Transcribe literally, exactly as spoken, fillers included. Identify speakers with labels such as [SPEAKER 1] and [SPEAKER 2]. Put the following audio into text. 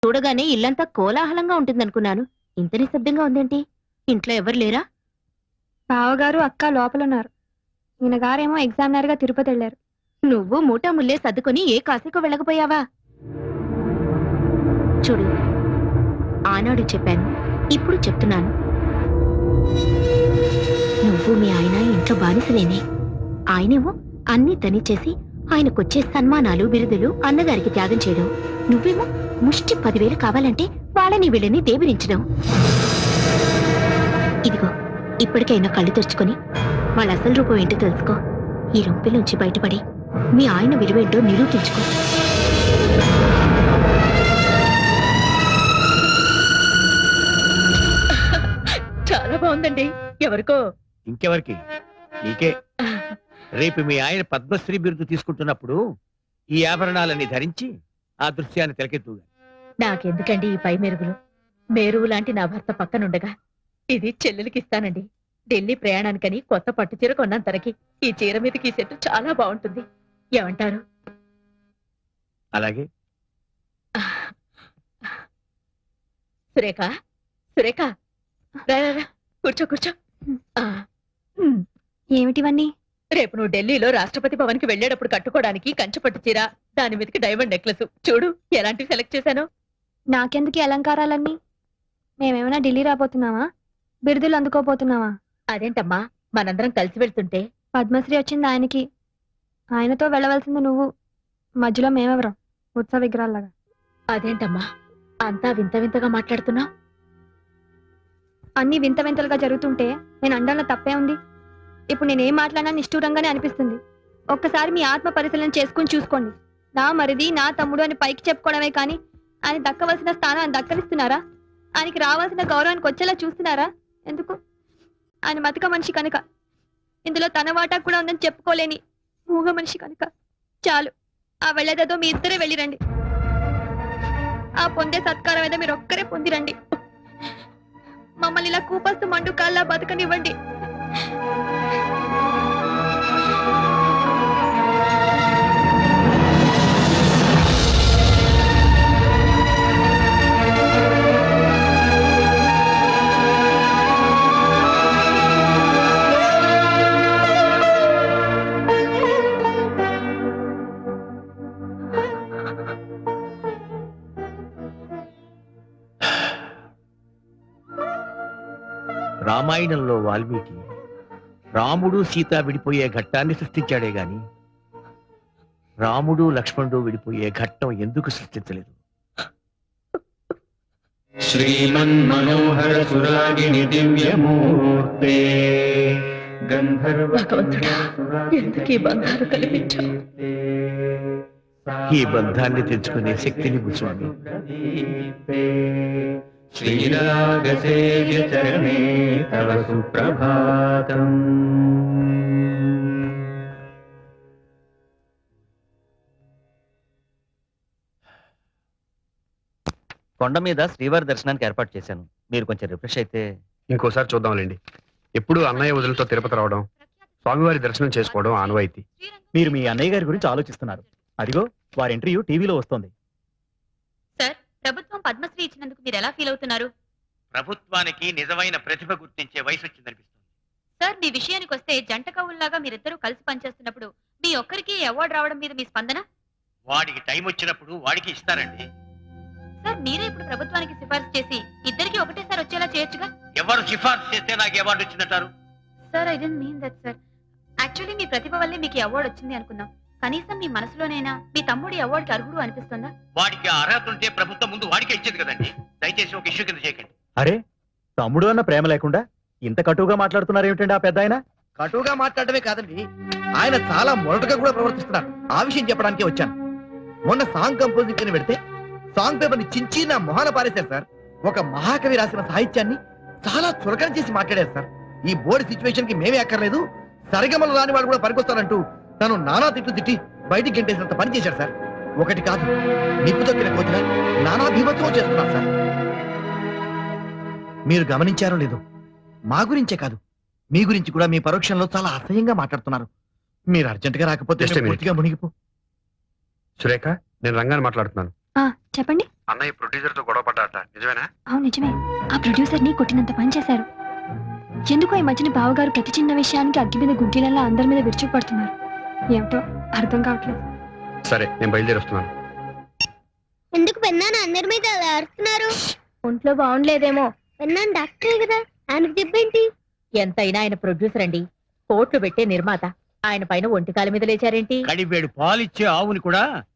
[SPEAKER 1] చూడగానే ఇల్లంతా కోలాహలంగా ఉంటుందనుకున్నాను. ఇంత నిశ్శబ్దంగా ఉందేంటి? ఇంట్లో ఎవరు లేరా?
[SPEAKER 2] బావగారు అక్క లోపలున్నారు. ఈయన గారేమో ఎగ్జామినర్ గా తిరుపతి వెళ్లారు.
[SPEAKER 1] నువ్వు మూటా ముల్లే సర్దుకొని ఏ కాశీకో వెళ్ళకపోయావా? చూడు, ఆనాడు చెప్పాను, ఇప్పుడు చెప్తున్నాను. నువ్వు మీ ఆయన ఇంట్లో బానిసలేనే. ఆయనేమో అన్ని తనిచేసి ఆయనకొచ్చే సన్మానాలు బిరుదులు అన్నగారికి త్యాగం చేయడం. నువ్వేమో ముష్టి పదివేలు కావాలంటే వాళ్ళని వీళ్ళని దేబిరించడం. ఇదిగో, ఇప్పటికైనా కళ్ళు తెరుచుకొని వాళ్ళ అసలు రూపం ఏంటో తెలుసుకో. ఈ రొంపిలోంచి బయటపడి మీ ఆయన విలువేంటో నిరూపించుకో. చాలా బాగుందండి. ఎవరికో?
[SPEAKER 3] ఇంకెవరికి? నీకే. రేపు మీ ఆయన పద్మశ్రీ బిరుదు తీసుకుంటున్నప్పుడు ఈ ఆభరణాలన్నీ ధరించి ఆ దృశ్యాన్ని తెలకెత్తుగా.
[SPEAKER 1] నాకెందుకండి ఈ పై మెరుగులు? మేరువు లాంటి నా భర్త పక్కనుండగా ఇది చెల్లెలకి ఇస్తానండి. ఢిల్లీ ప్రయాణానికని కొత్త పట్టు చీర కొన్నాను తనకి. ఈ చీర మీదకి ఈ సెట్ చాలా బాగుంటుంది. ఏమంటారు?
[SPEAKER 3] అలాగే.
[SPEAKER 1] సురేఖ, సురేఖ, రా రా రా, కూర్చో కూర్చో. ఆ, ఉమ్,
[SPEAKER 2] ఏమిటివన్నీ?
[SPEAKER 1] రేపు నువ్వు ఢిల్లీలో రాష్ట్రపతి భవన్ కి వెళ్లేటప్పుడు కట్టుకోవడానికి కంచుపట్టు చీర, దాని మీదకి డైమండ్ నెక్లెస్. చూడు ఎలాంటివి సెలెక్ట్ చేశాను.
[SPEAKER 2] నాకెందుకు ఈ అలంకారాలన్నీ? మేమేమైనా ఢిల్లీ రాబోతున్నావా? బిరుదులు అందుకోపోతున్నావా?
[SPEAKER 1] అదేంటమ్మా, మనందరం కలిసి వెళ్తుంటే.
[SPEAKER 2] పద్మశ్రీ వచ్చింది ఆయనకి, ఆయనతో వెళ్ళవలసింది నువ్వు. మధ్యలో మేమెవరం? ఉత్సవ విగ్రహాల్లాగా.
[SPEAKER 1] అదేంటమ్మా అంతా వింత వింతగా మాట్లాడుతున్నా?
[SPEAKER 2] అన్ని వింత వింతలుగా జరుగుతుంటే నేను అండంలో తప్పే ఉంది. ఇప్పుడు నేనేం మాట్లాడినా నిష్ఠూరంగానే అనిపిస్తుంది. ఒక్కసారి మీ ఆత్మ పరిశీలన చేసుకుని చూసుకోండి. నా మరిది, నా తమ్ముడు అని పైకి చెప్పుకోవడమే కానీ ఆయన దక్కవలసిన స్థానాన్ని దక్కలిస్తున్నారా? ఆయనకి రావాల్సిన గౌరవానికి వచ్చేలా చూస్తున్నారా? ఎందుకు? ఆయన మతక మనిషి కనుక. ఇందులో తన వాటా కూడా ఉందని చెప్పుకోలేని మూగ మనిషి కనుక. చాలు, ఆ వెళ్ళేదేదో మీ ఇద్దరే వెళ్ళిరండి. ఆ పొందే సత్కారం ఏదో మీరు ఒక్కరే పొందిరండి. మమ్మల్ని ఇలా కూపస్తు మండు కాల్లా బతకనివ్వండి.
[SPEAKER 3] రామాయణంలో వాల్మీకి రాముడు సీత విడిపోయే ఘట్టాన్ని సృష్టించాడే గాని రాముడు లక్ష్మణుడు విడిపోయే ఘట్టం ఎందుకు సృష్టించలేదు?
[SPEAKER 4] శ్రీమన్మనోహర సురాగిణి దివ్యమూర్తే
[SPEAKER 1] భగవంతుడా, ఎందుకు ఈ బంధాలు కల్పించావు?
[SPEAKER 3] ఈ బంధాన్ని తెచ్చుకునే శక్తిని స్వామి.
[SPEAKER 4] శ్రీరాగసేవ్య చరణే తవ సుప్రభాతం.
[SPEAKER 5] కొండ మీద శ్రీవారి దర్శనానికి ఏర్పాటు చేశాను. మీరు కొంచెం రిఫ్రెష్ అయితే.
[SPEAKER 6] ఇంకోసారి చూద్దాంలేండి. ఎప్పుడు అన్నయ్య వదులతో తిరుపతి రావడం, స్వామివారి దర్శనం చేసుకోవడం ఆనవాయితీ.
[SPEAKER 7] మీరు మీ అన్నయ్య గారి గురించి ఆలోచిస్తున్నారు. అదిగో వారి ఇంటర్వ్యూ టీవీలో వస్తోంది.
[SPEAKER 1] సార్, ప్రభుత్వం పద్మశ్రీ ఇచ్చినందుకు మీరు ఎలా ఫీల్ అవుతున్నారు?
[SPEAKER 3] ప్రభుత్వానికి నిజమైన ప్రతిభ గుర్తించే వయసు వచ్చిందనిపిస్తుంది.
[SPEAKER 1] సార్, మీ విషయానికి వస్తే జంట కవుల్లాగా మీరిద్దరూ కలిసి పనిచేస్తున్నప్పుడు మీ ఒక్కరికి అవార్డు రావడం మీద మీ స్పందన?
[SPEAKER 3] వాడికి టైం వచ్చినప్పుడు వాడికి ఇస్తారండి.
[SPEAKER 1] సార్, మీరే ఇప్పుడు ప్రభుత్వానికి సిఫార్సు చేసి ఇద్దరికి ఒకటేసారి వచ్చేలా చేయొచ్చుగా?
[SPEAKER 3] ఎవరు సిఫార్సు చేస్తే నాకు అవార్డు వచ్చిందంటారు?
[SPEAKER 1] Sir, I don't mean that sir. Actually మీ ప్రతిభ వల్లే మీకు అవార్డు వచ్చింది అనుకున్నాం. కనీసం మీ మనసులోనైనా మీ తమ్ముడి అవార్డుకి అర్హుడు అనిపిస్తుందా?
[SPEAKER 3] వాడికి అర్హత ఉంటే ప్రభుత్వం ముందు వాడికే ఇచ్చేది కదండి. దయచేసి ఒక ఇష్యూ కింద చేయకండి.
[SPEAKER 7] అరే, తమ్ముడు అన్న ప్రేమ లేకుండా ఇంత కటువుగా మాట్లాడుతున్నారు ఏమిటండి ఆ పెద్ద ఆయన?
[SPEAKER 8] కటువుగా మాట్లాడటమే కాదండి, ఆయన చాలా మొరటుగా కూడా ప్రవర్తిస్తున్నారు. ఆ విషయం చెప్పడానికే వచ్చాను. మొన్న సాంగ్ కంపోజింగ్ అని పెడితే సాంగ్ పేపర్ ని చించి నా మొహాన పారేశారు సార్. ఒక మహాకవి రాసిన సాహిత్యాన్ని చాలా చులకన చేసి మాట్లాడారు సార్. ఈ బోర్డు సిచ్యువేషన్ కి మేమే అక్కర్లేదు, సరిగమలు రాని వాడు కూడా పనికొస్తారంటూ తను నానా తిట్లు తిట్టి బయటికి గెంటేసినంత పని చేశారు సార్. ఒకటి కాదు, నిప్పు తొక్కిన కోతిగా నానా భీమత్వం చేస్తున్నారు సార్. మీరు గమనించారో లేదో, మా గురించే కాదు మీ గురించి కూడా మీ పరోక్షంలో చాలా అసహ్యంగా మాట్లాడుతున్నారు. మీరు అర్జెంట్ గా రాకపోతే
[SPEAKER 6] Just a minute.
[SPEAKER 8] పూర్తిగా మునిగిపో.
[SPEAKER 6] సురేఖ, నేను రంగాన్ని మాట్లాడుతున్నాను.
[SPEAKER 2] చెప్పండి.
[SPEAKER 6] అన్నయ్య ప్రొడ్యూసర్ తో గొడవ పడ్డాట నిజమేనా?
[SPEAKER 2] అవును నిజమే. ఆ ప్రొడ్యూసర్ ని కొట్టినంత పని చేశారు. ఎందుకో ఈ మధ్యన బావగారు ప్రతి చిన్న విషయానికి అగ్గి మీద గుడ్డిలల్లా అందరి మీద విరుచుకుపడుతున్నారు. ఏమిటో అర్థం కావట్లేదు.
[SPEAKER 6] సరే నేను బయలుదేరి వస్తున్నాను.
[SPEAKER 1] ఎందుకు పెన్నాను అందరి మీద అలా అరుస్తున్నారు?
[SPEAKER 2] ఒంట్లో బాగుండలేదేమో.
[SPEAKER 1] పెన్నాను డాక్టరే కదా, ఆయనకు చెప్పేంటి?
[SPEAKER 9] ఎంతైనా ఆయన ప్రొడ్యూసర్ అండి, కోట్లు పెట్టే నిర్మాత. ఆయన పైన ఒంటికాల మీద లేచారేంటి?
[SPEAKER 3] కడివేడు పాలిచ్చే ఆవుని కూడా